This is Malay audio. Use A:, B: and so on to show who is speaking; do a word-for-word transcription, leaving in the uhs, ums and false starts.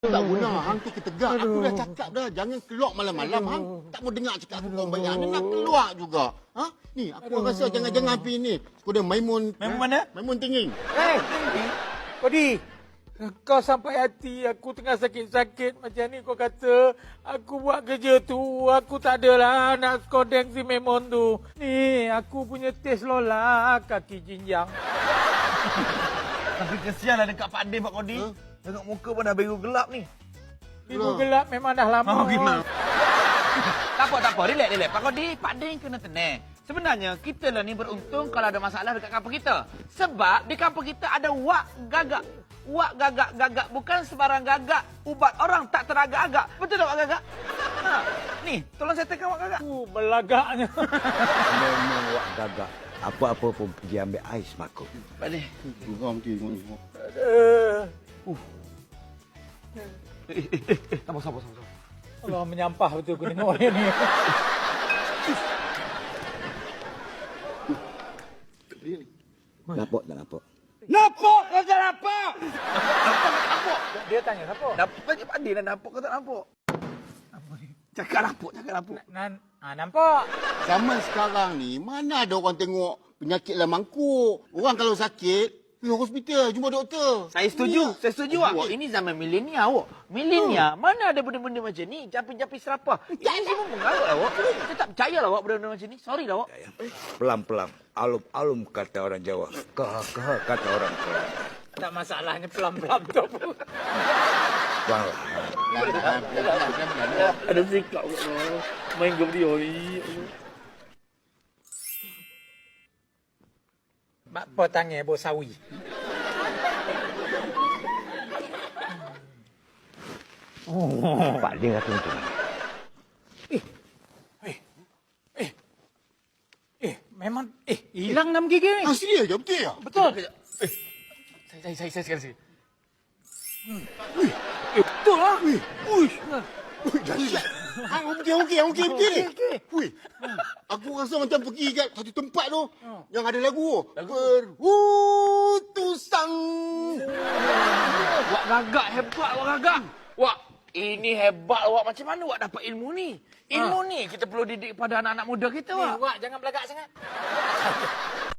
A: Tak guna, hang tu ketegak. Aku dah cakap dah, jangan keluar malam-malam. Hang tak mau dengar cakap aku kau bayar. Ni nak keluar juga. Ha? Ni, aku rasa jangan-jangan pergi ni. Kau dah Maimun.
B: Maimun mana?
A: Maimun Tinggi.
C: Eh, Kodi, kau sampai hati aku tengah sakit-sakit macam ni kau kata aku buat kerja tu, aku tak adalah nak skodeng si Memon tu. Ni, aku punya tes lola kaki jinjang.
B: Tapi kesianlah dekat Pak Din, Pak Kodi. Huh? Tengok muka pun dah biru gelap ni.
C: Biru gelap memang dah lama.
B: Oh, gimana? Tak apa, tak apa. Relax, relax. Pak Kodi, Pak Din kena tenang. Sebenarnya, kita lah ni beruntung kalau ada masalah dekat kampung kita. Sebab di kampung kita ada wak gagak. Wak gagak-gagak. Bukan sebarang gagak. Ubat orang tak teragak-agak. Betul tak wak gagak? Ha. Ni, tolong settlekan wak gagak.
C: Uh, belagaknya.
D: Memang wak gagak. Apa-apa pun pergi ambil ais makuk.
B: Pak Din.
A: Geram dia tengok ni.
C: Uh.
B: Uh. Eh, eh, eh, eh. Sabar, sabar, sabar.
C: Allah menyampah betul aku tengok dia ni.
D: Nampak tak nampak?
B: Nampak kau tak nampak?
C: Nampak? Dia tanya nampak?
B: Nampak je Pak Din dah nampak kau tak nampak? Cakap nampak, cakap nampak.
C: Nan, ah, nampak.
A: Zaman sekarang ni, mana ada orang tengok penyakit lah mangkuk. Orang kalau sakit, pergi hospital, jumpa doktor.
B: Saya setuju,
A: Ya.
B: saya setuju awak. Oh, ini zaman milenial awak. Milenial, mana ada benda-benda macam ni? Japi-japi serapah. Ini semua mengarut awak. Saya tak percaya lah awak benda-benda macam ni. Sorry lah awak.
D: Pelan-pelan. Alum-alum kata orang Jawa. Kah-kah kata orang Jawa.
C: Tak masalahnya pelan-pelan tu.
D: Banglah.
B: Ada sikap awak main game dia ni.
C: Mak po tangan bo sawi.
D: Oh. Pak dia kata macam mana?
C: Eh, eh, eh, eh, memang, eh, hilang enam gigi ni.
A: Asli aja, betul ya?
C: Betul.
B: Eh, saya, saya, saya, saya sekali sekali.
C: Hmm. Eh, betul lah.
A: Wih, wih. Wih, dahsyat. Hang okey, okey, okey, okey. Wih, aku rasa macam pergi kat satu tempat tu yang ada lagu. Berutusan.
B: Wak gagak hebat, wak gagak. Wak, ini hebat awak. Macam mana awak dapat ilmu ni? Ilmu ni kita perlu didik pada anak-anak muda kita,
C: Ni,
B: Wak.
C: Wak, jangan belagak sangat.